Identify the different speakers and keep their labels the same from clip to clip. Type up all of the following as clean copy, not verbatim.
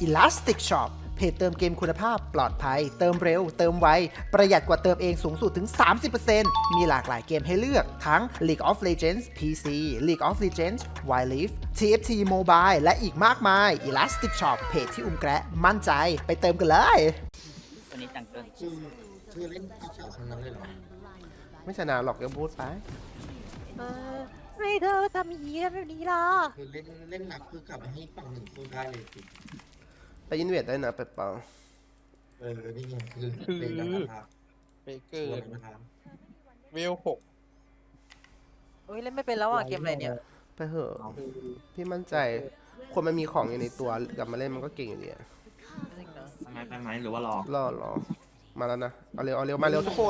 Speaker 1: Elastic Shop เพจเติมเกมคุณภาพปลอดภัยเติมเร็วเติมไวประหยัดกว่าเติมเองสูงสุดถึง 30% มีหลากหลายเกมให้เลือกทั้ง League of Legends PC League of Legends Wild Rift TFT Mobile และอีกมากมาย Elastic Shop เพจที่อุ้มแกะมั่นใจไปเติมกันเลย
Speaker 2: วันนี้จังเกิล
Speaker 3: คือเล่นที่สาวคนนั้นเลยเหรอ
Speaker 1: ไม่ชนะหรอกยังพูดไป
Speaker 4: ไม่เธอทำอย่างนี้แบบนี้ล่ะ
Speaker 3: คือเล่นหนักคือกลับมาให้ฝั่งหนึ่งสู้ได้เลยสิ
Speaker 1: ไปอินเวดได้นะไปเปล่า
Speaker 3: นี่ไงคือเป็นนะครับ
Speaker 5: เบเกอร์
Speaker 3: นะครับ
Speaker 5: เวล6
Speaker 4: โอ้ยเล่นไม่เป็นแล้วอ่ะเกมอะไรเนี่ย
Speaker 1: ไปเหอะพี่มั่นใจคนมันมีของอยู่ในตัวกลับมาเล่นมันก็เก่งอยู่ดีอะ
Speaker 4: จริงเนอะ
Speaker 6: ไปไหมหรือว่ารอ
Speaker 1: รอมาแล้วนะเอาเร็วมาเร็วทุกคน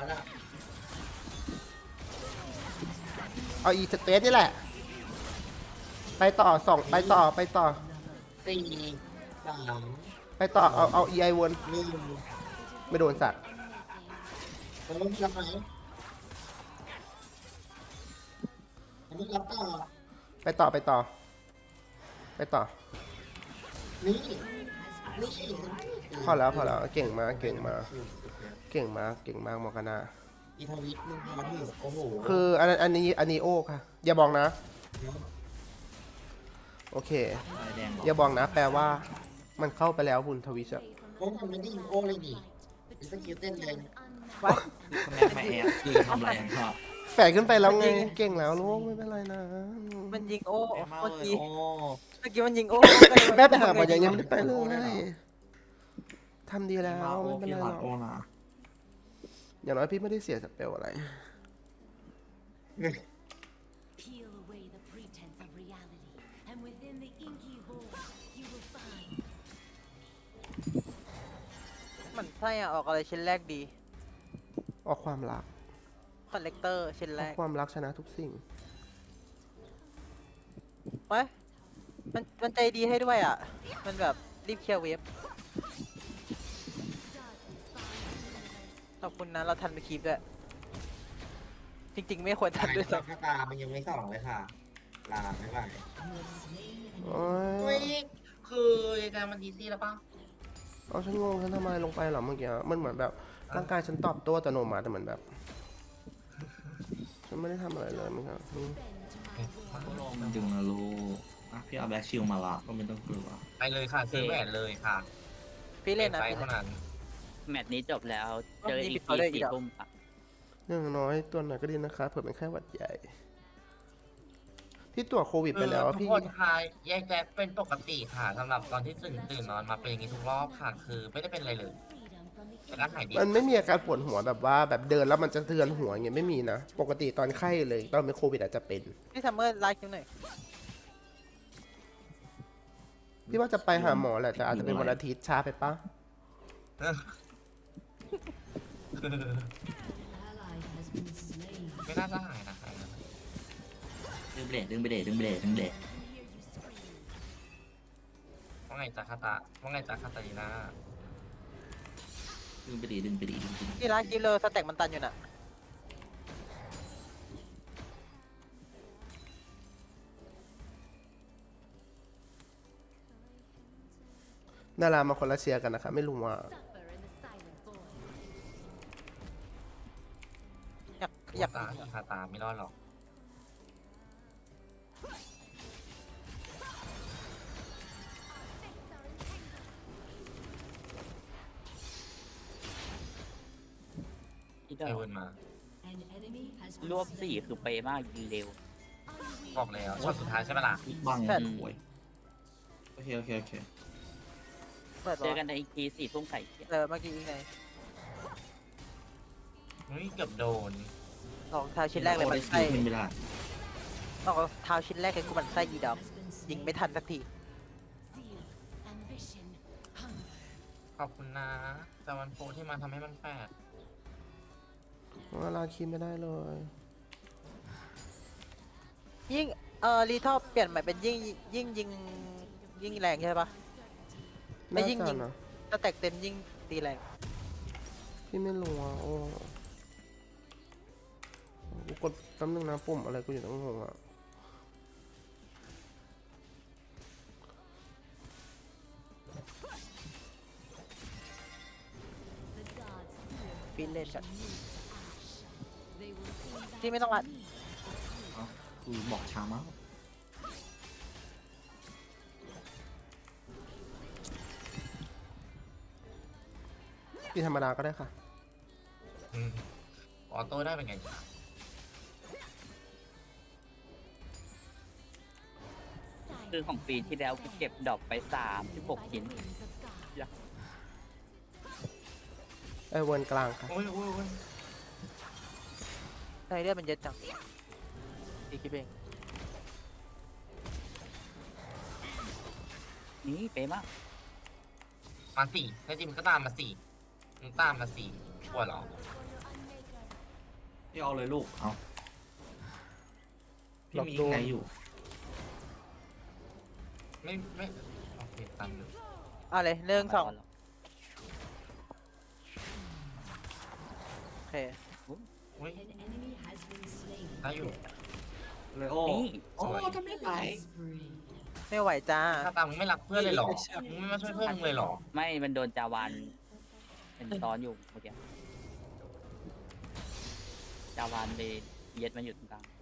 Speaker 1: เอาอีสเปซนี่แหละไปต่อไปต่อ
Speaker 3: สี่สาม
Speaker 1: ไปต่อเอาอีไอวน
Speaker 3: หนึ่ง
Speaker 1: ไม่โดนสัตว์
Speaker 3: มันต้องรับไหมมันต้องรับต่อ
Speaker 1: ไปต่อ
Speaker 3: นี่
Speaker 1: พอแล้วเก่งมากมอร์กานา
Speaker 3: อีทวิตมึงพอถึงโอ้โห
Speaker 1: คืออันนี้โอ้ค่ะอย่าบอกนะ โอเค
Speaker 6: อะไรแดงเหรอ
Speaker 1: อย่าบอกนะ แปลว่ามันเข้าไปแล้วบุญทวิชอะ
Speaker 3: โอ้มันไม่ได้ยิงโอ้เลยนี่เป็นสกิลเต้นเลย
Speaker 6: แม่มาแอบคือทำอะไรกันครับ
Speaker 1: แฝงขึ้นไปแล้วไงเก่งแล้วลูกไม่เป็นไรนะ
Speaker 4: มันยิงโอ้
Speaker 6: แอบมา
Speaker 4: เมื่อ
Speaker 6: เลย
Speaker 4: กี้
Speaker 6: โอ้
Speaker 4: มันยิงโอ้
Speaker 1: แม่ไปหาหมอยังไม่ได้ไปเลยทำดีแล้ว
Speaker 6: โอ้
Speaker 1: ไม่เป็น
Speaker 6: พี่
Speaker 1: ไร
Speaker 6: ห
Speaker 1: ห
Speaker 6: ลั
Speaker 1: ร
Speaker 6: ด
Speaker 1: อก
Speaker 6: โอ้นะ
Speaker 1: อย่างน้อยพี่ไม่ได้เสียสเปลอะไร
Speaker 7: Peel away the pretense of reality, and within the inky void, you will find
Speaker 4: มันใช่อ่ะออกอะไรชิ้นแรกดี
Speaker 1: ออกความรัก
Speaker 4: คอนเลกเตอร์ชิ้น
Speaker 1: อ
Speaker 4: แร
Speaker 1: อก
Speaker 4: ก
Speaker 1: ความรักชนะทุกสิ่ง
Speaker 4: ไว้ยมันใจดีให้ด้วยอ่ะ มันแบบรีบเคลียร์เวฟขอบคุณนะเราทันไปคีบด้วย จริงๆไม่ควรทันด้วย
Speaker 3: ส
Speaker 4: ซ้
Speaker 3: องตามันยังไม่ส่องเลยค่ะ ลาไม่ไหว
Speaker 1: โอ้
Speaker 3: เฮ้
Speaker 1: ย
Speaker 3: ยคือการมันดีซี่แล้วป่ะ
Speaker 1: เอาฉันงงฉันทำอะไรลงไปเหรอเมื่อกี้มันเหมือนแบบร่างกายฉันตอบโต้อัตโนมัติแต่เหมือนแบบฉันไม่ได้ทำอะไรเลยมั้งครับ
Speaker 6: โลมันดึงนะลูกอ่ะพี่เอาแบ็คชิลมาละก็ไม่ต้องกลัว
Speaker 3: ไปเลยค่ะซื้อแหวนเลยค่ะ
Speaker 4: ำพี่เล่นนะ
Speaker 3: ไป
Speaker 4: พี่
Speaker 3: เท่า
Speaker 4: เล่น
Speaker 3: นั้น
Speaker 2: แมตช์นี้จบแล้วเจอ
Speaker 4: นี่
Speaker 2: อี
Speaker 4: ปิ
Speaker 2: ก
Speaker 4: ดต่อ
Speaker 2: ที
Speaker 4: เลยอี
Speaker 2: สี่
Speaker 4: กเหรอ
Speaker 2: ทุ่มอะ
Speaker 1: อย่างน้อยตัวหน่อยก็ดีนะคะเผื่อเป็นแค่หวัดใหญ่ พี่ตรวจโควิดไปแล้ว
Speaker 3: ทุก
Speaker 1: พี่
Speaker 3: คนค่ะแยกแยะเป็นปกติค่ะสำหรับตอนที่ตื่นนอนมาเป็นอย่างนี้ทุกรอบค่ะ คือไม่ได้เป็นอะไรเลย
Speaker 7: freedom from the
Speaker 3: แต่ก็หายดี
Speaker 1: มันไม่มีอาการปวดหัวแบบว่าแบบเดินแล้วมันจะเทือนหัวอย่างเงี้ยไม่มีนะ ปกติตอนไข้เลยตอนเป็นโควิดอาจจะเป็น
Speaker 4: พี่ซัมเมอร์ไลค์คิวหน่อย
Speaker 1: พี่ว่าจะไปหาหมอแหละแต่อาจจะเป็นวันอาทิตย์ช้าไปปะ
Speaker 3: ไม่น่าจะหายนะคะ
Speaker 6: ดึงเบรด
Speaker 3: ว่าไงจ๊ะคาตาลีน่า
Speaker 6: ดึงไปดิ
Speaker 4: พี่ไลค์คิวเลยสแต็กมันตันอยู่น่ะ
Speaker 1: ดารามาคนละเชียร์กันนะคะไม่รู้ว่า
Speaker 7: suffer in the silent void.
Speaker 4: อยาก
Speaker 3: คาตาไม่รอดหรอก
Speaker 2: ที่
Speaker 3: ไอ
Speaker 2: เดิ
Speaker 3: เวิ
Speaker 2: ม
Speaker 3: ร์นมา
Speaker 2: รวบสี่คือเป๊ะมากยิงเร็ว
Speaker 3: บอกแล้วช็อตสุดท้ายใช่ไหมล่ะ
Speaker 6: บังป่วยโอเค
Speaker 4: เปิด
Speaker 2: เจอ
Speaker 4: วะ
Speaker 2: กันในอีกทีสี่ทุ่มไข่เขียว
Speaker 4: เมื่อกี้ยังไง
Speaker 3: เฮ้ยเกือบโดน
Speaker 4: รองเท้าชิ้นแรกเลยมัน
Speaker 6: ไส้
Speaker 4: ไส้
Speaker 6: ไม่ได้
Speaker 4: รองเท้าชิ้นแรกเลยกูมันไส้ยีดอกยิงไม่ทันสักที
Speaker 7: Zeal, ambition, hunger.
Speaker 3: ขอบคุณนะแต่วันโฟที่มาทำให้มันแปลก
Speaker 1: เวลาคิดไม่ได้เลย
Speaker 4: ยิ่งรีทอปเปลี่ยนใหม่เป็นยิ่งยิงแรงใช่ปะ ไม่ยิ่ง
Speaker 1: น่า
Speaker 4: ยิ
Speaker 1: จะ
Speaker 4: ง
Speaker 1: นะ
Speaker 4: ถ้าแตกเต็มยิ่งตีแรง
Speaker 1: พี่ไม่รู้อ่ะโอ้กูกดแป๊บนึงนะปุ่มอะไรกูอยู่ตั้งงงอ่ะ
Speaker 4: ฟินเล่นกันที่ไม่ต้องอัด
Speaker 6: เอ้าคือบอกช้ามาก
Speaker 1: พี่ธรรมดาก็ได้ค่ะ
Speaker 3: อืมออโต้ได้เป็นไง
Speaker 2: คือของปีที่แล้วกูเก็บดอกไป36ชิ้น
Speaker 1: ไอเวิร์นกลางค่ะ
Speaker 3: โอ้ยโอ้ยโอ้ย
Speaker 4: ใช่เลือดมันเยอะจังตีคิดเอง
Speaker 2: นี่เป๊ะมาก
Speaker 3: มาสี่แท้จริงมันก็ตามมาสี่มึงตามมาสี่กลัวเหรอ
Speaker 6: พี่เอาเลยลูก เอาพี่
Speaker 1: หลอก
Speaker 6: มี
Speaker 1: โดน
Speaker 6: ไงอยู่
Speaker 3: ไม่โอเคตามอยู่
Speaker 4: เอาเลยหนึ่งสองโอเค
Speaker 3: อุ้ย
Speaker 7: An enemy has been slain.
Speaker 3: ได้อยู่
Speaker 6: เลยโอ้
Speaker 2: นี่
Speaker 6: โอ้ทำไม่ไหว
Speaker 7: Spree.
Speaker 4: ไม่ไหวจ้า
Speaker 3: ถ้าตามมึงไม่รักเพื่อนเลยเหรอมึงไม่มาช่วยเพื่อนมึงเลยเหรอ
Speaker 2: ไม่มันโดนจาวานเป็นซ้อนอยู่เมื่อกี้จาวานไปเย็ดมันอยู่ตรงกลาง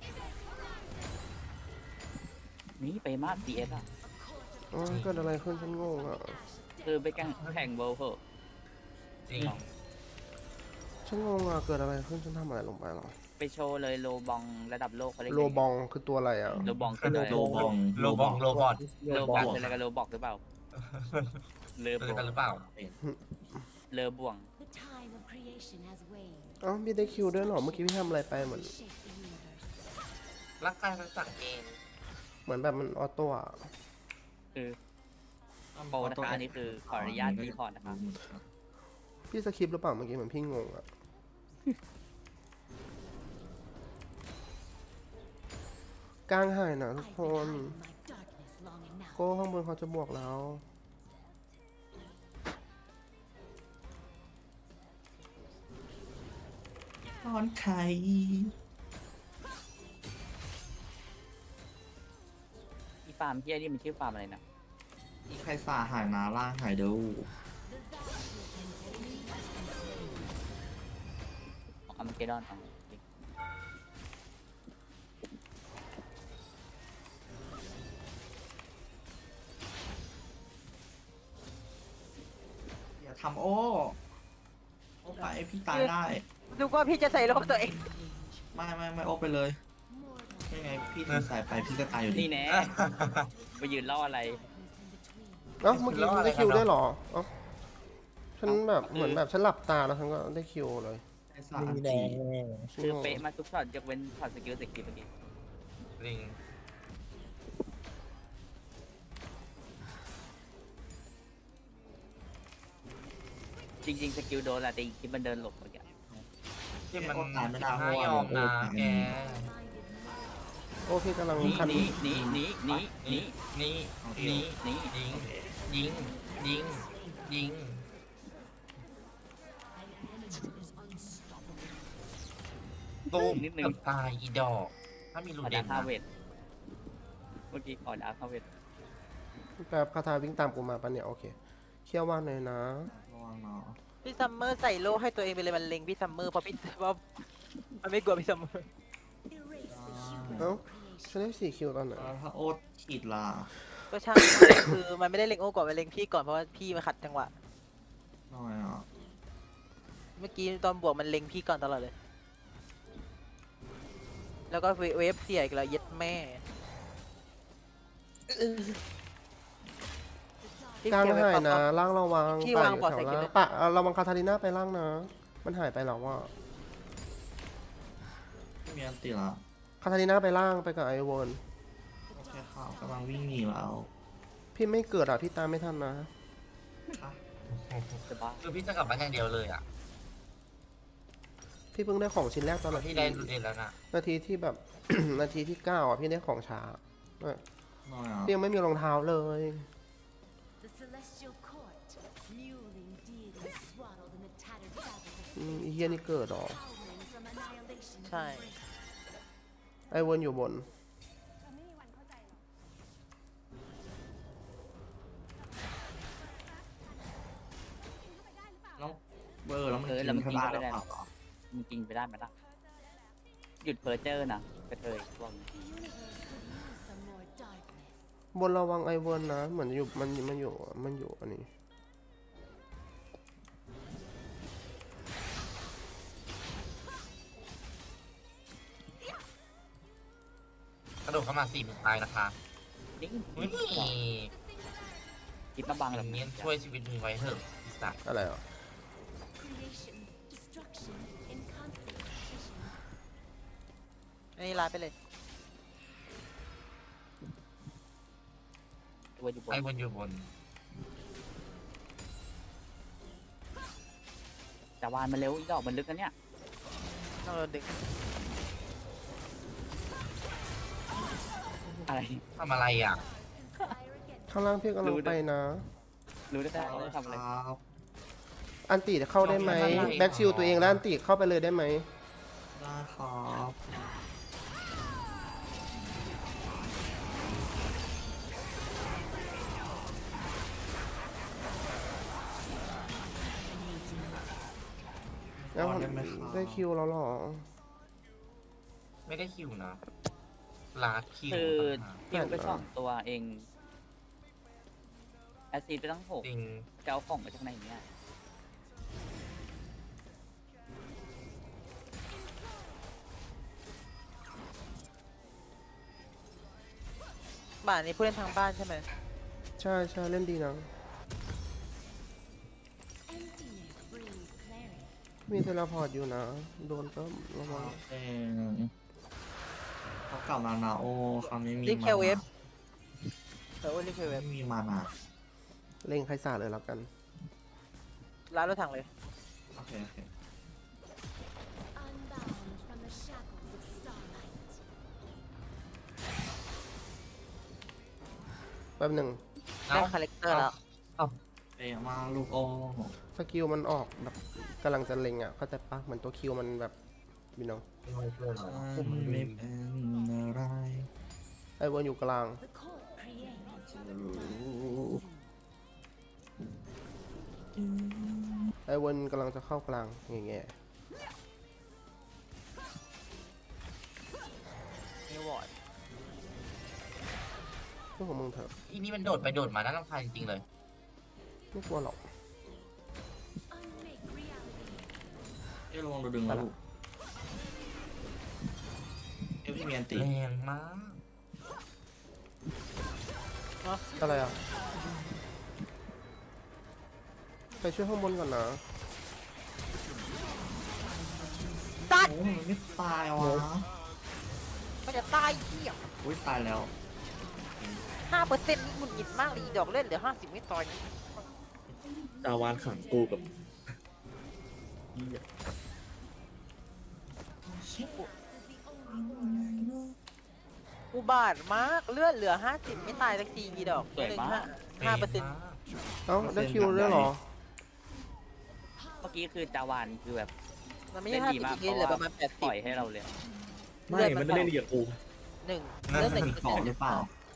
Speaker 2: นี่เป๊ะมาก DS อ่ะ
Speaker 1: อ๋อเกิดอะไรขึ้นฉันงงอ่ะ
Speaker 2: คือไปแข่งเวิลด์เหอะ
Speaker 3: จริง
Speaker 1: ฉันงงอ่ะ เกิดอะไรขึ้น ฉันทำอะไรลงไปหรอ
Speaker 2: ไปโชว์เลยโลบองระดับโลกเขาเรียก
Speaker 1: โลบองคือตัวอะไรอ่ะ
Speaker 2: โลบองคืออะไร
Speaker 6: โลบอง
Speaker 3: โลบองโลบอท
Speaker 2: โลบองคืออะไรกับโลบอกหรือเปล่าเลอ
Speaker 3: เจ
Speaker 2: บ
Speaker 3: อ
Speaker 2: ว
Speaker 3: กัน
Speaker 2: ง
Speaker 3: หรือเปล่า
Speaker 2: เลอบ่วง
Speaker 7: The time of creation has waned.
Speaker 1: เอ้าพี่ได้คิวด้วยเหรอ เมื่อกี้พี่ทำอะไรไปเหมือน
Speaker 7: Shape the universe.
Speaker 3: ร่างกายมันสั่งเอง
Speaker 1: เหมือนแบบมันออโต้อะ
Speaker 2: คือโปรนะคะอันนี้คือขออนุญาตรีพอร์ตนะคะ
Speaker 1: พี่สคริปต์หรือเปล่าเมื่อกี้เหมือนพี่งงอะกลางหายนะทุก
Speaker 7: I've
Speaker 1: ค
Speaker 7: been
Speaker 1: น
Speaker 7: hiding my darkness long enough.
Speaker 1: โก้ข้างบนเขาจะบวกแล้ว
Speaker 6: ตอนไข่
Speaker 2: อีฟาร์มเฮียนี่มันชื่อฟาร์มอะไรนะ
Speaker 6: อีใครสาหายนาล่างหายเดู
Speaker 2: ของอัมเกดอนของ
Speaker 6: อย่าทำโอ้ไปพี่ตายได้
Speaker 4: ดูว่าพี่จะใส่โลกตัวเอง
Speaker 6: ไม่โอ้ไปเลย ไม่ไงพี่ถือสายไปพี่ก็ตายอยู่ดี
Speaker 2: นี่แน่ไปยืนล่ออะไร
Speaker 1: เอ้าเมื่อกี้ฉันได้คิวได้วยเหรอ เอ้าฉันแบบเหมือนแบบฉันหลับตาแล้วฉันก็ได้คิวเลย
Speaker 6: ไอ้สาอันจี
Speaker 2: คือเป๊ะมาทุกช็อตยกเว้นช็อตสกิลสกิลเมื่อกี้
Speaker 3: ลิง
Speaker 2: จริงๆสกิลโดนแหละแต่อีกทีมันเดินหลบเมื่อกี้
Speaker 3: ที่มัน
Speaker 6: โอ้ตายไม่ได้เพ
Speaker 3: น่า
Speaker 6: ราะว่าย
Speaker 3: อมนะ
Speaker 6: โอ้ตาย
Speaker 3: แก
Speaker 1: โอ้พี่กำลัง
Speaker 2: นี่
Speaker 1: คัน
Speaker 2: นี่นี่นี่นี่นี่
Speaker 3: นี่
Speaker 2: นี่
Speaker 3: นี่
Speaker 2: นี่
Speaker 3: ยิงยิงยิงยิงตูม
Speaker 2: นิดนึง
Speaker 3: เกือบตายอีดอก ถ้ามี
Speaker 2: ข
Speaker 3: ลู
Speaker 2: อ
Speaker 3: เด่
Speaker 2: ดาน คาเวทเมื่อกี้ขอดาคาเวท
Speaker 1: แบบคาถาวิ่งตามกูมาปะเนี่ย โอเคเคี่ยวว่านเลยนะ
Speaker 6: ระวังเนาะ
Speaker 4: พี่ซัมเมอร์ใส่โลให้ตัวเองไปเลยมันเล็งพี่ซัมเมอร์เพราะพี่ว่ามันไม่กลัวพี่ซัมเมอร์
Speaker 1: เอ้าฉันได้4คิวตอนไหน
Speaker 6: แล้วถ้าโอ๊ตขีดล่ะ
Speaker 4: ก็ช่าง คือมันไม่ได้เล็งโอ้ก่อนมันเล็งพี่ก่อนเพราะว่าพี่มาขัดจังหวะ
Speaker 6: หน่อยอ่ะ
Speaker 4: เมื่อกี้ตอนบวกมันเล็งพี่ก่อนตลอดเลย แล้วก็เวฟเสียอีกแล้วเย็ดแม่พี่
Speaker 1: กลาง
Speaker 4: เก็บไว้
Speaker 1: หาย
Speaker 4: ปะ
Speaker 1: นะ
Speaker 4: ปะ
Speaker 1: ล่างระวัง
Speaker 4: พี่
Speaker 1: ป่
Speaker 4: วาง
Speaker 1: อยู่
Speaker 4: บอร์ด
Speaker 1: แถ
Speaker 4: ใส่
Speaker 1: ว
Speaker 4: กิน
Speaker 1: ล่าง
Speaker 4: เลย
Speaker 1: ปะระวังคาทาลิน่าไปล่างนะ มันหายไปแล้วว่า
Speaker 6: ไม่มีอันตีละ
Speaker 1: คาทาลิน่าไปล่างไปกับไอวอน
Speaker 6: โอเคค่ะกำลังวิ่งหนีแล้ว
Speaker 1: พี่ไม่เกิดอ่ะ พี่ตามไม่ทันนะ
Speaker 6: ค่ะ
Speaker 2: จะบ้า
Speaker 3: คือพี่จะกลับบ้านอย่างเดียวเลยอ่ะ
Speaker 1: พี่เพิ่งได้ของชิ้นแรกตอน
Speaker 3: พี่ได้ลูเด่นแล้วนะ
Speaker 1: นาทีที่แบบ นาทีที่ 9 อ่ะ พี่ได้ของช้าเออ
Speaker 6: หน่อยอ่ะ
Speaker 1: พี่ยังไม่มีรองเท้าเลย
Speaker 7: The celestial court, mewling deities swaddled in the tattered fabric of
Speaker 1: อีเฮียนี่เกิดหรอ
Speaker 7: howling from annihilation's
Speaker 4: ใช่
Speaker 7: embrace.
Speaker 1: ไอวอนอยู่บน
Speaker 6: น้องแล้วมัน
Speaker 2: แล้วมัน
Speaker 6: กิ
Speaker 2: กิ
Speaker 6: น
Speaker 2: น
Speaker 6: ได้
Speaker 2: ไป
Speaker 6: หรือ
Speaker 2: ได้
Speaker 6: เปล่า
Speaker 2: มันกินไปได้ไหมล่ะหยุดเพอร์เจอร์นะกระเทยพวกนี้
Speaker 7: The universe could use some more darkness.
Speaker 8: บนระวังไอเวิร์นนะ เหมือนอยู่มันอยู่อันนี้
Speaker 3: กระโดดเข้ามา4 มือตายนะคะ
Speaker 2: นี่
Speaker 3: อุ้ย
Speaker 2: คิดมาบัง
Speaker 3: อ
Speaker 2: แบบ
Speaker 3: ย่าง
Speaker 2: นี้
Speaker 3: นี้ช่วยชีวิตมึงไว้เถอะอีสัตว์
Speaker 8: อะไรอ่ะ
Speaker 7: Creation, destruction, in constant precision.
Speaker 4: อันนี้ลาไปเลย
Speaker 2: ตัวอยู่บน
Speaker 3: ไอ้บนอยู่บน
Speaker 2: แต่วานมันเร็วอีดอกมันลึกนะเนี่ย
Speaker 4: ต้องโดนดึง
Speaker 2: อะไร
Speaker 3: ทำอะไรอ่ะ
Speaker 8: ข้างล่างพี่กำลังไปนะ
Speaker 2: รู้ได้ไหม
Speaker 6: เอาเลย
Speaker 2: ทำอะไร
Speaker 6: ครับ
Speaker 8: อันติเข้าได้ไหม แบ็กชิลตัวเองแล้วอันติเข้าไปเลยได้ไหม
Speaker 6: ได้ครับ
Speaker 8: แล้วได้คิวแล้วเหรอ
Speaker 3: ไม่ได้คิวนะลาคิว
Speaker 2: คือ
Speaker 3: ต่างหาก
Speaker 2: คิวไปสองตัวเองแอสซีดไปตั้ง6
Speaker 3: จริง
Speaker 2: จะเอาของมาจากไหนเนี่ย
Speaker 4: บ้านนี้ผู้เล่นทางบ้านใช่ไหม
Speaker 8: ใช่ใช่เล่นดีนะ
Speaker 7: Emptiness brings clarity.
Speaker 8: มีเทเลพอร์ตอยู่นะ โดนก็ระวัง
Speaker 6: เขากลับมานาโอคราวนี้มี
Speaker 4: รีบเคลเวฟ
Speaker 6: มา
Speaker 4: เออรีบเคลเวฟ
Speaker 6: ไม่มีมานา
Speaker 8: เล่งไคซ่าเลยแล้วกัน
Speaker 4: ร้านรถถังเลย
Speaker 6: โอเค
Speaker 7: Unbound from the shackles of starlight.
Speaker 8: แป๊บหนึ่ง
Speaker 4: ได้คาแรคเตอร์แล้ว
Speaker 6: เตะมาลูกโอ
Speaker 8: สกิลมันออกแบบกำลังจะเล็งอ่ะ เข้าใจปะเหมือนตัวคิวมันแบบมีน้อง
Speaker 6: ไม่เป็นอะไร
Speaker 8: ไอเวิร์นอยู่กลาง
Speaker 7: The court creates.
Speaker 8: ไอเวิร์นกำลังจะเข้ากลางอย่างเงี้ย
Speaker 4: นิววอร์ด
Speaker 8: เรื่องของมึงเถอะ
Speaker 3: อีนี่มันโดดไปโดดมาน่ารำคาญจริงๆเลย
Speaker 8: ไม่กลัวหรอก
Speaker 7: Unmake reality.
Speaker 6: เอ้ยระวังโดนดึงนะลูกเอ้ยพี่มีอันติ
Speaker 3: แรงมาก
Speaker 8: อะไรอ่ะ ไปช่วยข้างบนก่อนนะ
Speaker 4: ตัด
Speaker 6: โอ้มันไม่ตายวะ
Speaker 4: มันจะตายเหี้ย
Speaker 6: อุ้ยตายแล้ว
Speaker 4: 5%นี่หงุดหงิดมากเลยดอกเล่นเหลือ50ไม่ต่อย
Speaker 9: ดาวานขังกูกับ
Speaker 4: อุบาทมากเลือดเหลือ50ไม่ตายสักทีกี่ดอก
Speaker 2: สวยมาก
Speaker 4: 5%
Speaker 3: แรงมาก
Speaker 8: เอ้าได้คิวด้วยเหรอ
Speaker 2: เมื่อกี้คือจาวานคือแบบ
Speaker 4: มันไม่
Speaker 2: เล่
Speaker 4: ใช่
Speaker 2: นดีมาก
Speaker 4: 50
Speaker 2: เพ
Speaker 4: นี่
Speaker 2: ราะ
Speaker 4: เหลือ
Speaker 2: ว่า
Speaker 4: ประมาณ
Speaker 2: ปล่อยให้เราเลย
Speaker 9: ไม่มันไม่ได้เรียกกู
Speaker 4: 80หนึ่ง
Speaker 3: นั่น
Speaker 4: เลือด
Speaker 3: มัน
Speaker 4: 1
Speaker 6: ต่อหรือเปล่า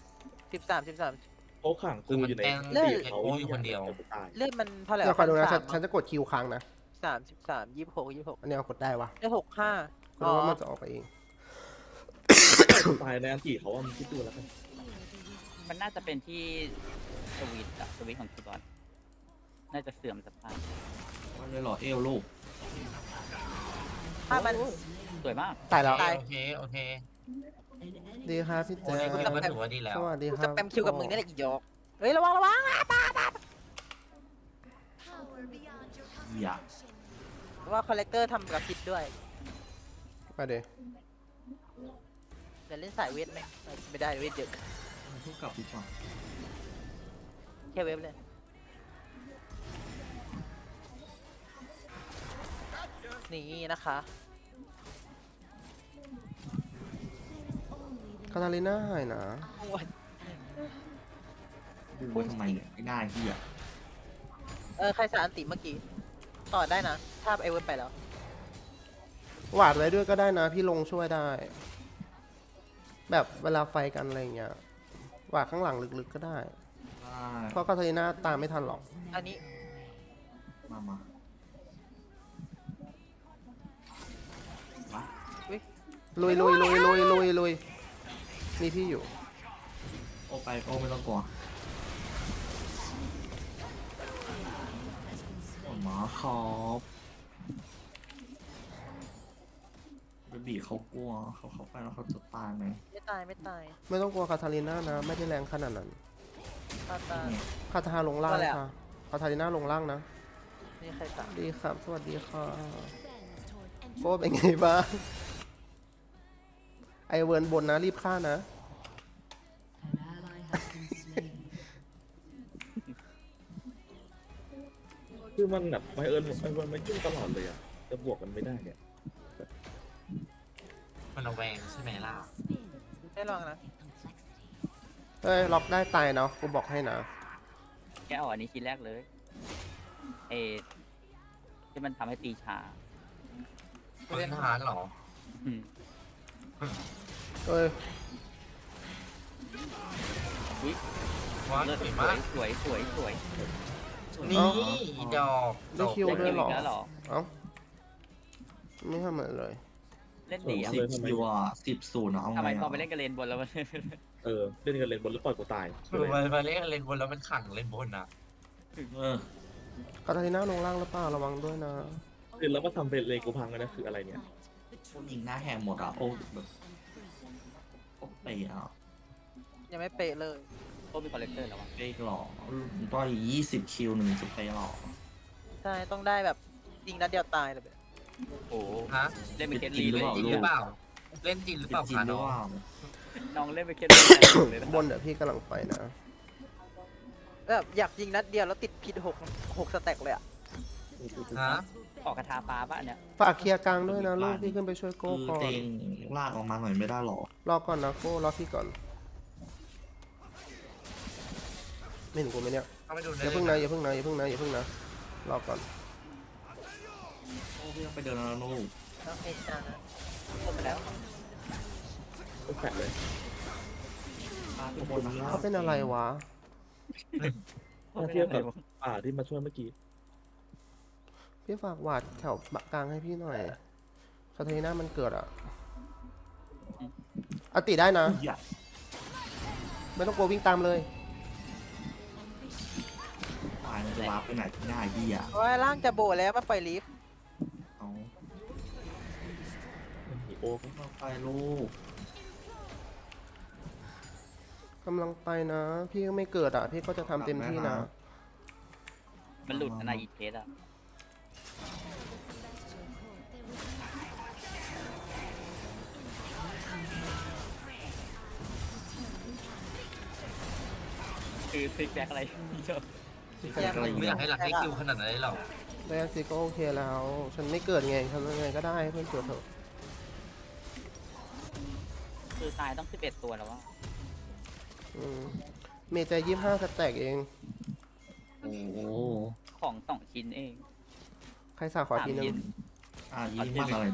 Speaker 4: 13
Speaker 9: เขาขังกูอยู่ใน
Speaker 3: เลือด
Speaker 9: ตีเขา
Speaker 3: โอ้ยอยู่คนเดียว
Speaker 9: แต่กูตาย
Speaker 4: เลือดมันเท่าไหร่
Speaker 8: เดี๋ยวคอยดูนะฉัน
Speaker 4: 13
Speaker 8: ฉันจะกดคิวค้างนะ
Speaker 4: 33 26
Speaker 8: อันนี้เอากดได้วะ
Speaker 4: ได้65
Speaker 8: เพราะว่ามันจะออกไปเอง
Speaker 9: กูตายในอันตีเขาว่ามึงคิดดูแล้วกัน
Speaker 2: มันน่าจะเป็นที่สวิตช์อะสวิตช์ของคีย์บอร์ดน่าจะเสื่อมสภาพ
Speaker 6: มันเลยเหรอเอวลูก
Speaker 4: ถ้ามัน
Speaker 2: สวยมาก
Speaker 8: ตายแล้ว
Speaker 4: ตาย
Speaker 3: โอเคโอเค
Speaker 8: ดีครับพี่
Speaker 3: โอ้
Speaker 8: แจ๊
Speaker 3: ย
Speaker 8: ค
Speaker 3: ก็ถือว่าดีแล้ว
Speaker 8: สวัสดี
Speaker 4: กู
Speaker 8: ค
Speaker 4: จะ
Speaker 8: รับ
Speaker 4: แปมคิวกับมึงนี่แหละอีดอกเฮ้ยระวัง
Speaker 7: Power beyond your
Speaker 6: อย่า
Speaker 7: comprehension.
Speaker 4: ว่าคอลเลกเตอร์ทำกับพิษด้วย
Speaker 8: ไปเดี๋ยว
Speaker 4: เดี๋ยวเล่นสายเวทไหมไม่ได้เวทเยอะ
Speaker 6: ทุกกลับดีกว่า
Speaker 4: แค่เวฟเลยนี่นะคะ
Speaker 8: คาตาลิน่าหายนะ
Speaker 6: ดูไว้ทำไมเนี่ยไม่ได้พี่อ่ะ
Speaker 4: ใครสารอันติเมื่อกี้ ต่อได้นะ ถ้าไอเวฟไปแล้ว
Speaker 8: หวาดไว้ด้วยก็ได้นะ พี่ลงช่วยได้ แบบเวลาไฟกันอะไรอย่างเงี้ยหวาดข้างหลังลึกๆก็ได้
Speaker 6: ได้
Speaker 8: เพราะคาตาลิน่าตามไม่ทันหรอก
Speaker 4: อันนี้
Speaker 6: มา
Speaker 8: ลุยมีพี่อยู่
Speaker 6: โอไปโอไม่ต้องกลัวหมาครับเบบีเขากลัวเขาเข้าไปแล้วเขาจะตายไหม
Speaker 4: ไม่ตายไม่ตาย
Speaker 8: ไม่ต้องกลัวคาทาลิน่านะ ไม่ได้แรงขนาดนั้น
Speaker 4: ตาตา
Speaker 8: คาทาลงล่าง
Speaker 4: ว่าแล้ว
Speaker 8: ค่ะคาทาลิน่าลงล่างนะ
Speaker 4: นี่ใครตาม
Speaker 8: ดีครับ สวัสดีค่ะ
Speaker 7: Bends toward
Speaker 8: โก้เป็นไงบ้าง ไอเวิร์นบนนะรีบฆ่านะ
Speaker 9: คือมันแบบไบเอิญมันยุ่งตลอดเลยอ่ะจะบวกกันไม่ได้เนี่ย
Speaker 3: มันระแวงใช่ไหมล่ะ
Speaker 4: ได้ลองนะ
Speaker 7: complexities.
Speaker 8: เฮ้ย ล็อกได้ตายเนาะกูบอกให้นะ
Speaker 2: แกเอาอันนี้ชิ้นแรกเลยเอที่มันทำให้ตีช้า
Speaker 3: เล่นฮาร์ดเหรอ
Speaker 2: อืม
Speaker 8: เอ้ย
Speaker 2: อุ๊ย
Speaker 3: ว้า
Speaker 2: เลิศ
Speaker 3: สวย
Speaker 2: สว
Speaker 3: มาย ก
Speaker 2: สวยสวยสวย
Speaker 3: นี่อีดอก
Speaker 8: ได้คิวด้วยเหรอ
Speaker 2: เล่นกแล้วเหรอ
Speaker 8: เอ้า ไม่ทำอะไรเลย
Speaker 2: เล่นดีอ่ะ
Speaker 6: 10 คิวอ่ะ10-0นะเอา
Speaker 2: ทำไม
Speaker 6: ไง
Speaker 2: พอไปเล่นกับเลนบนแล้วมัน
Speaker 9: เล่นกันเลนบนแล้วปล่อยกูตาย
Speaker 3: คือมาเล่นเล่นบนแล้วมันขังเล่นบนอ่ะ
Speaker 6: เออ
Speaker 8: คาทาลิน่าลงล่างหรือเปล่าระวังด้วยนะ
Speaker 9: คือแล้วมาทำเป็นเลนกูพังกันนะคืออะไรเนี่ย
Speaker 6: พวกยิงหน้าแหงหมดอ่ะโอ้แบบโอ้ไปอ่ะ
Speaker 4: ยังไม่เป๊ะเลย
Speaker 2: โอ้มีคอลเลกเตอร์แล้ววะ
Speaker 6: ไปหล่อต่อย20 คิว1จะไปหล่อ
Speaker 4: ใช่ต้องได้แบบยิงนัดเดียวตายเลยแบบ
Speaker 2: โอ้โห
Speaker 3: ฮะ
Speaker 2: เล่นเป็นเคส
Speaker 6: จริ
Speaker 2: ลี
Speaker 6: งหรือ
Speaker 2: เลย
Speaker 6: เปล่า
Speaker 3: จริงหรือเปล่า เล่นจริงหรือเปล่า
Speaker 6: จริง
Speaker 3: คะ
Speaker 6: หรือ
Speaker 3: น้อง
Speaker 6: เปล่า
Speaker 2: น้องเล่นเป็นเคสลีเลยนะ
Speaker 8: บนเดี๋ยวพี่กำลังไปนะ
Speaker 4: แบบอยากยิงนัดเดียวแล้วติดพิษหกสแต็กเลยอ่ะ
Speaker 3: ฮะ
Speaker 2: ออกกระทาฟ้าป่ะเนี่ย
Speaker 8: ฝากเคลียร์กลางด้วยนะลูกพี่ขึ้นไปช่วยโก้
Speaker 6: คือ
Speaker 8: ก่อน
Speaker 6: เต็งลากออกมาหน่อยไม่ได้หรอ
Speaker 8: รอก่อนนะโก้รอพี่ก่อน ไม่เห็นกูไหมเนี่ย
Speaker 3: เข้าไปดู
Speaker 8: อ
Speaker 3: ได้
Speaker 8: ย่า
Speaker 3: เล
Speaker 8: เพิ่ง
Speaker 3: ย
Speaker 8: นะอย่าเพิ่งนะอย่าเพิ่งนะอย่าเพิ่งนะรอก่อน
Speaker 6: โอ้พี่ต้องไปเดินแล้วลูก
Speaker 4: น้องเอชานะ
Speaker 2: ลงไปแล้ว
Speaker 9: ก็แปะเลย
Speaker 6: ตาทุกคนนะครั
Speaker 8: เขา
Speaker 6: บ
Speaker 8: เป็นอะไรวะ
Speaker 9: ถ้าเทียบกับป่าที่มาช่วยเมื่อกี้
Speaker 8: พี่ฝากหวาดแถวกลางให้พี่หน่อยคาเทน่ามันเกิดอะอติได้นะ
Speaker 6: อย่า
Speaker 8: ไม่ต้องกลัววิ่งตามเลย
Speaker 6: ตายมันจะวาร์ปไปไหนง่ายพี่อ่ะ
Speaker 4: โอ้ยร่างจะโบแล้วมาปล่อยลิฟต์
Speaker 6: เอา
Speaker 9: อีโอ้ก็
Speaker 6: เข้าไปลูก
Speaker 8: กำลังไปนะ พี่ก็ไม่เกิดอะพี่ก็จะทำเต็มที่นะ
Speaker 2: มันหลุดนะอีเคสอ่ะคือซิกแบ็กอะไรเยอะ
Speaker 6: อะไร
Speaker 3: ไม่อ
Speaker 6: เงี้
Speaker 3: ยาย กให้หลักให้คิวขนาดนั้นเลยหรอ
Speaker 8: แรกสิก็โอเคแล้ว ฉันไม่เกิดไงทำยังไงก็ได้ให้เพื่อนเกิดเถอะ
Speaker 2: คือตายต้อง11ตัวแล้วว่า
Speaker 8: อืมเมย์ใจ25สแต็กเอง
Speaker 6: โอ้โห
Speaker 2: ของ2ชิ้นเอง
Speaker 8: ใครสาขอทีนึ
Speaker 2: 3ชิ้
Speaker 8: ง
Speaker 2: น
Speaker 6: ยิ้มอะไร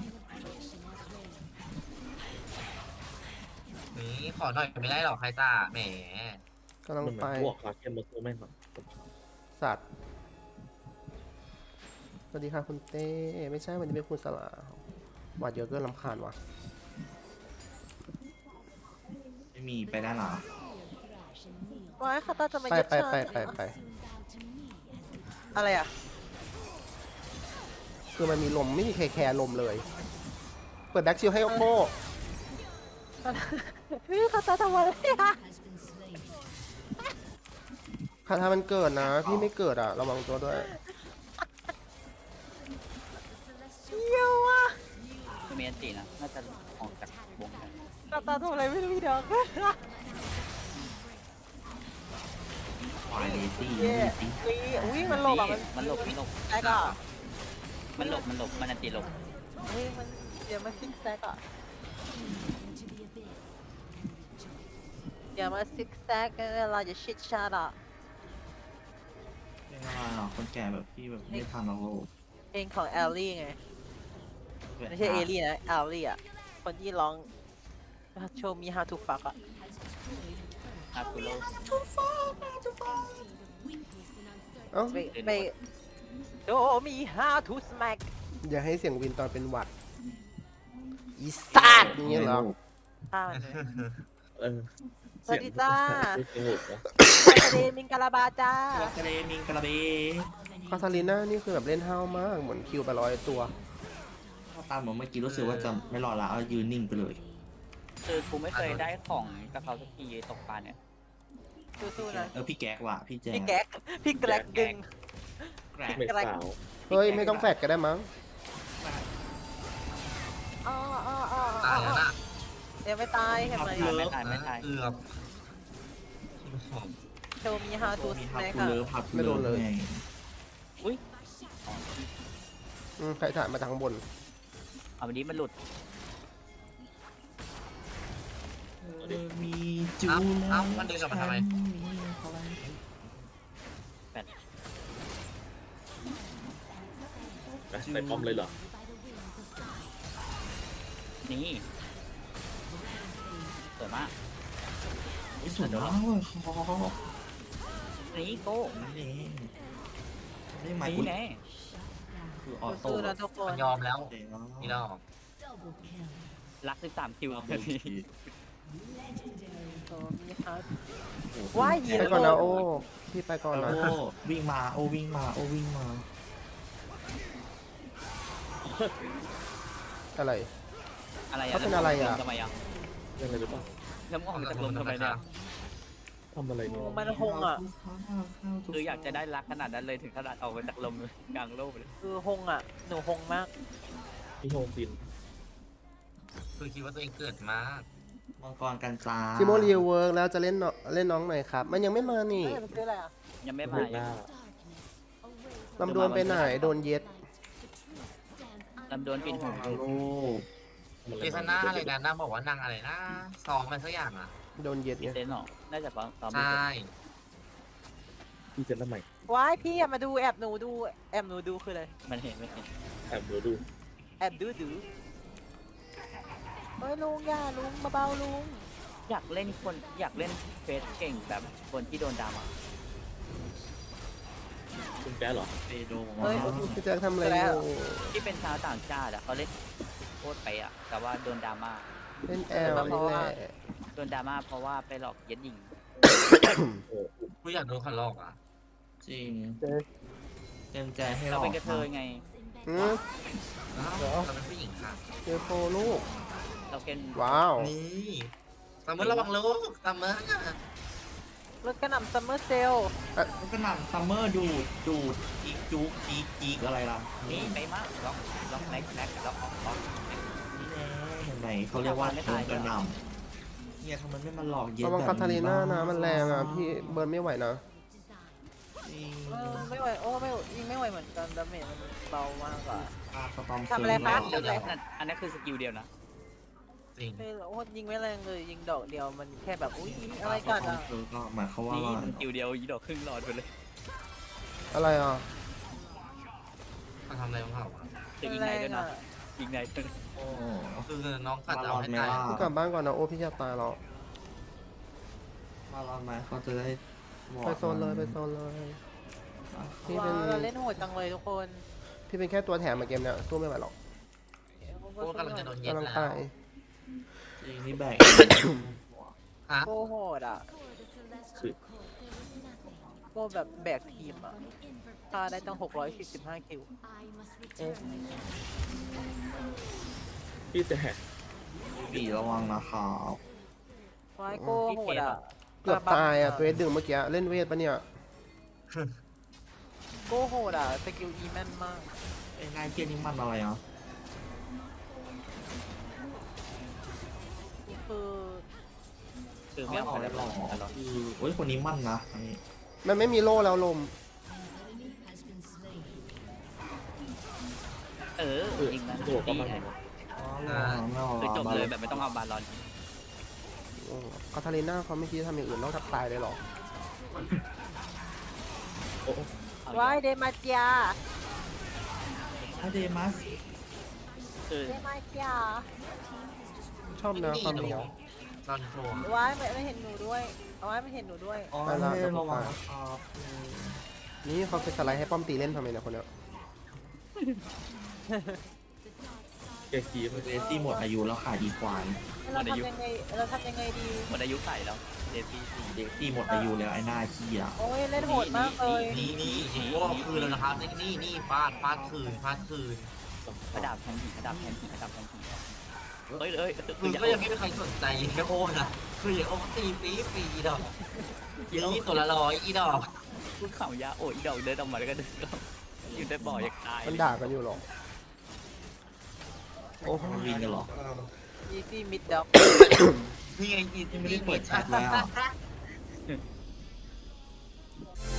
Speaker 3: นี่ขอหน่อยไม่ได้หรอกใครตาแหม
Speaker 8: กำลัง
Speaker 9: มันเหมื
Speaker 8: ไป
Speaker 9: อนพวกคาเคนมาสู้แม่งแบบ
Speaker 8: สัตว์ สวัสดีค่ะคุณเต้ ไม่ใช่วันนี้เป็นคุณสลาหวาดเยอะเกินลำคาญว่ะ
Speaker 6: ไม่มีไปได้หรอ
Speaker 4: ว้ายคาตาจะมา
Speaker 8: ไป
Speaker 4: เย็ด
Speaker 8: ไป
Speaker 4: ชา
Speaker 8: ไปไปไป
Speaker 4: อะไรอ่ะ
Speaker 8: คือมันมีลมไม่มีใครแคร์ลมเลย เปิดแบ็กชิลให้โอโก้
Speaker 4: พี่คาตาทำอะไรอ่ะ
Speaker 8: คาถามันเกิดนะ พี่ไม่เกิดอะระวังตัวด้วย
Speaker 4: เยี่ยวอ่ะ
Speaker 2: คือเมนตีนะ น่าจะออกจากวงได้
Speaker 4: คาตาทำอะไรไม่รู้พี่ดอก
Speaker 6: วายเลตี้
Speaker 4: เย่อุ้ยมันหลบอ่ะ
Speaker 2: มันหลบมันหลบ
Speaker 4: แซกอ่ะ
Speaker 2: มันหลบมันหลบมันอันตีหลบ
Speaker 4: เฮ้ยมันเดี๋ยวมาซิกแซกอ่ะ
Speaker 7: into the abyss.
Speaker 4: เดี๋ยวมาซิกแซกเวลาจะชิดชาร์ดอ่ะ
Speaker 6: เป็นอะไรอ่ะคนแก่แบบพี่แบบไม่ทันแล้วลูก
Speaker 4: เพลงของแอลลี่ไง ไม่ใช่เอลี่นะแอลลี่อ่ะ คนที่ร้อง Show me how to fuck อ่ะ
Speaker 2: อาคุโร
Speaker 8: เอ้า
Speaker 4: ไป Show me how to smack
Speaker 8: อย่าให้เสียงวินตอนเป็นหวัด
Speaker 1: อีสัตว์อย่างเงี้ยเหรอ
Speaker 4: ฆ่ามันเลย
Speaker 9: เออ
Speaker 4: สวัสดีจ้า
Speaker 9: เสียงโหดนะ
Speaker 4: ทะเลมิงกาลาบาจ้า
Speaker 6: กระเดมิงกระเบ
Speaker 8: คาทาลิน่านี่คือแบบเล่นห้าวมาก เหมือนคิวไป100 ตัว
Speaker 6: ตามเหมือนเมื่อกี้รู้สึกว่าจะไม่รอละเอายืนนิ่งไปเลย
Speaker 2: คือกูไม่เคยได้ของกับเขาสักทีตกปลาเนี่ย
Speaker 4: สู้ๆนะ
Speaker 6: พี่แก๊กว่ะพี่แจ๊
Speaker 4: พี่แก๊กพี่แกร็กดึง
Speaker 6: แกรก
Speaker 9: ไม่สาว
Speaker 8: เฮ้ย ไม่ต้องแฟดก็ได้มั้ง
Speaker 4: อ๋ออ๋ออ๋อ
Speaker 3: ตายแล้วนะ
Speaker 4: ยังไม่ตายเห็นไหม
Speaker 2: ไม่ตายไม่ตาย
Speaker 3: เกือบ
Speaker 4: โชว์มีฮา
Speaker 6: ตั
Speaker 4: ตู
Speaker 6: วมี
Speaker 4: ส
Speaker 6: ฮับ
Speaker 4: แน็ค
Speaker 6: กู
Speaker 4: อะ
Speaker 6: เลิฟฮับ
Speaker 8: ไม่โดนเลย
Speaker 6: ไง
Speaker 2: อุ้ยอ๋อ
Speaker 8: ใครถ่ายมาจากข้างบน
Speaker 2: เอาวันนี้มันหลุด
Speaker 6: มีจู
Speaker 3: เอ้ามันดึงกลับมาทำไม
Speaker 9: นะใส่ป้อมเลยเหรอ
Speaker 2: นี่สวยมาก
Speaker 6: สวยมากเลยคอ
Speaker 2: นี่โก้
Speaker 6: ไม่ไหม
Speaker 2: นี่แน่
Speaker 6: คือออโต้
Speaker 4: สู้ๆนะทุกคน
Speaker 3: มันยอมแล้วนี่ดอก
Speaker 2: รัก13คิว
Speaker 6: เดี๋ยว
Speaker 4: โชว์มีฮาว้ายหิว
Speaker 8: ไปก่อนนะโอ้ พี่ไปก่อนนะ
Speaker 6: โอ้วิ่งมาโอ้วิ่งมาโอ้วิ่งมา
Speaker 8: อะไร
Speaker 2: อะไร
Speaker 8: เขาเป็นอะไรอะ
Speaker 2: ทำไมอ่ะ
Speaker 9: ยังไงหรือเปล่า
Speaker 2: แล้วมึงออกมาจากลมทำไมเนี่ย
Speaker 9: ทำอะไรเนี่ย
Speaker 4: มันหงอ่ะ
Speaker 2: คืออยากจะได้รักขนาดนั้นเลยถึงขนาดออกมาจากลมกลางโลกเลย
Speaker 4: คือหงอ่ะ หนูหงมาก
Speaker 9: มีโฮมบิน
Speaker 3: คือคิดว่าตัวเองเกิดมาก
Speaker 6: มังกรกันจ้า
Speaker 8: ซิโมรีเวิร์กแล้วจะเล่นน้องหน่อยครับ มันยังไม่มานี่
Speaker 4: เอ้ยมันคืออะไรอ่ะ
Speaker 2: ยังไม่
Speaker 9: โห
Speaker 2: มา
Speaker 9: ดหน้า
Speaker 8: ลำดวนไปไหน โดนเย็ด
Speaker 2: ลำดวนปิดหู
Speaker 6: โลก
Speaker 3: เจสันน่าอะไรนะนางบอกว่านางอะไรนะซ้อมมันสักอย่างอ่ะ
Speaker 8: โดนเย็ด
Speaker 2: ปิ
Speaker 8: ไง
Speaker 2: ดเซนหรอน่าจะซ้อม
Speaker 3: ใช่
Speaker 9: พี่จะทำไม
Speaker 4: ว้ายพี่อย่ามาดูแอบหนูดูแอบหนูดูคืออะไร
Speaker 2: มันเห็นไม่เห็น
Speaker 9: แอบดู
Speaker 4: แอบดูเฮ้ยลุงอย่าลุงเบาๆลุง
Speaker 2: อยากเล่นเฟสเก่งแบบคนที่โดนดราม่า
Speaker 9: คุณแป๊ะเหรอ
Speaker 6: เปโด
Speaker 4: เฮ้ย
Speaker 8: พี่แจ็คทำอะไรอยู่
Speaker 2: ที่เป็นชาวต่างชาติอะเขาเล่นโคตรไปอะแต่ว่าโดนดราม่า
Speaker 8: เล่นแอลนี่แหละ
Speaker 2: โดนดราม่าเพราะว่าไปหลอกเย็ดหญิง
Speaker 3: กูอยากโดนขันลอกอ่ะ
Speaker 6: จริงเต็มใจให้
Speaker 2: เรา
Speaker 6: เรา
Speaker 2: เป็นกระเทยไง
Speaker 8: อืม
Speaker 3: อ้าวเราเป็นผู้หญิงค่ะ
Speaker 8: เจอโฟลูก
Speaker 2: เราเป็น
Speaker 8: ว้าว
Speaker 3: นี่ซัมเมอร์ระวังลูกซัมเมอร์
Speaker 4: รถกระหน่ำซัมเมอร์เซล
Speaker 6: มันก็หนังซัมเมอร์ดูดอีกจุกอีกอะไรล่ะ
Speaker 2: นี่ไปมากล็อกแม็กล็อกออก
Speaker 6: นี่แน่เห็นไหมเขาเรียกว่าโดนกระหน่ำเนี่ยทำไมไม่มาหลอกเย็น
Speaker 8: ระวัง
Speaker 6: แบบ
Speaker 8: คาทาลีน่านะ มันแรงอ่ะ พี่เบิร์นไม่ไหวนะ
Speaker 6: จริง
Speaker 4: ไม่ไหวโอ้ไม่ยิงไม่ไหวเหมือนกันดาเมจมันเบามากกว่า
Speaker 6: สตอม
Speaker 4: ทำอะไรคะ
Speaker 2: เดี๋ยวอันนั้นคือสกิลเดียวนะ
Speaker 3: จริง
Speaker 4: ไม่โอ้ยิงไม่แรงเลยยิงดอกเดียวมันแค่แบบอุ้ยอะไรกันอ่ะ
Speaker 6: ก็หมายความว่า
Speaker 2: นี่สกิลเดียวยีดอกครึ่งหลอดไปเลย
Speaker 8: อะไรอ่ะ
Speaker 3: มันทำอะไรของเขาอะ
Speaker 2: จะยิงไหนด้วยนะยิงไหนด้วยนะ
Speaker 6: โอ้
Speaker 3: คือน้องกัดเอาให้ตาย
Speaker 8: พี่กลับบ้านก่อนนะ โอ้พี่จะตายแล้ว
Speaker 6: มารอดไหมเขาจะได้บอก
Speaker 8: ไปโซนเลยไปโซนเลย พี่
Speaker 4: ว้า
Speaker 8: เป็น
Speaker 4: วเราเล่นโหดจังเลยทุกคน
Speaker 8: พี่เป็นแค่ตัวแถมมาเกมเนี้ยสู้ไม่ไหวหรอก
Speaker 3: โอ้กำลังจะโดนเย็ด
Speaker 8: กำลัง
Speaker 3: แล้ว
Speaker 8: ตาย
Speaker 6: จริงนี่แบก
Speaker 3: ฮะ
Speaker 4: โกโหดอ่ะโกแบบแบกทีมอ่ะฆ่าได้ตั้ง645คิว
Speaker 9: พี่แต่
Speaker 6: ปีระวังนะครับ
Speaker 4: ว้ายโกโหดอ่ะ
Speaker 8: เกือบตายอ่ะเกรดดึงเมื่อกี้เล่นเวทปะเนี่ย
Speaker 4: โกโหดอ่ะสกิลอีแม่นมาก
Speaker 6: ไอ้นายเกียร์นี่มันอะไรอ่ะ
Speaker 4: คือ
Speaker 2: คือไม่เอาแล้วหรอก
Speaker 6: คือโอ้ยคนนี้มันนะอันนี้
Speaker 8: มันไม่มีโล่แล้วลม
Speaker 2: ยิงนะ
Speaker 9: ตัวก็มัน
Speaker 2: คือจบเลยแบบไม่ต้องเอาบาลอน
Speaker 8: คาทาลีน่าเขาไม่คิดทำอย่างอื่นนอกจากตายเลยหรอ
Speaker 9: โอ้
Speaker 4: ว้ายเดมาเจีย
Speaker 6: ถ้าเดมัส
Speaker 2: คือ
Speaker 4: เดมาเจีย
Speaker 8: ชอบนะความเหนียว
Speaker 3: ตอนโชว์
Speaker 4: ว้ายไม่เห็นหนูด้วยว้ายไม่เห็นหนูด้วย
Speaker 6: อ๋อ
Speaker 8: ไปละ
Speaker 6: ระวังนะครับ
Speaker 8: นี่เขาเป็นสไลด์ให้ป้อมตีเล่นทำไมเนี่ยคนเนี้ย
Speaker 9: แกคีมัน
Speaker 6: เดซี่หมดอายุแล้วค่ะอีควาย
Speaker 4: เราทำยังไงเราทำยังไงดี
Speaker 2: หมดอายุใส่แล้วเดซี่สี่
Speaker 6: เดซี่หมดอายุแล้วไอ้หน้าขี้อ่ะ
Speaker 4: โอ้ยเล่นโหดมากเลย
Speaker 3: นี่โอ้โหคืนแล้วนะครับนี่ฟาดคืน
Speaker 2: กระดาบแทนผีกระดาบแทนผีกระดาบแทนผีเฮ้ย
Speaker 3: คือก็ยังไม่มีใครสนใจแค่โอ้นะคืออย่างโอ้ตีปีดอกนี่ตัวละร้อยอีดอก
Speaker 2: พูดข่าวยาโอ้ยดอกเดินออกมาแล้วก็เดินอยู่ได้บ่ออยากตาย
Speaker 8: มันด่ากันอยู่หรอ โอ้โห
Speaker 6: มันวินกันเหรอ
Speaker 4: อีซี่มิดด็อก
Speaker 3: นี่ไงอี
Speaker 6: ยังไม่ได้เปิดแชทเลยอ่ะ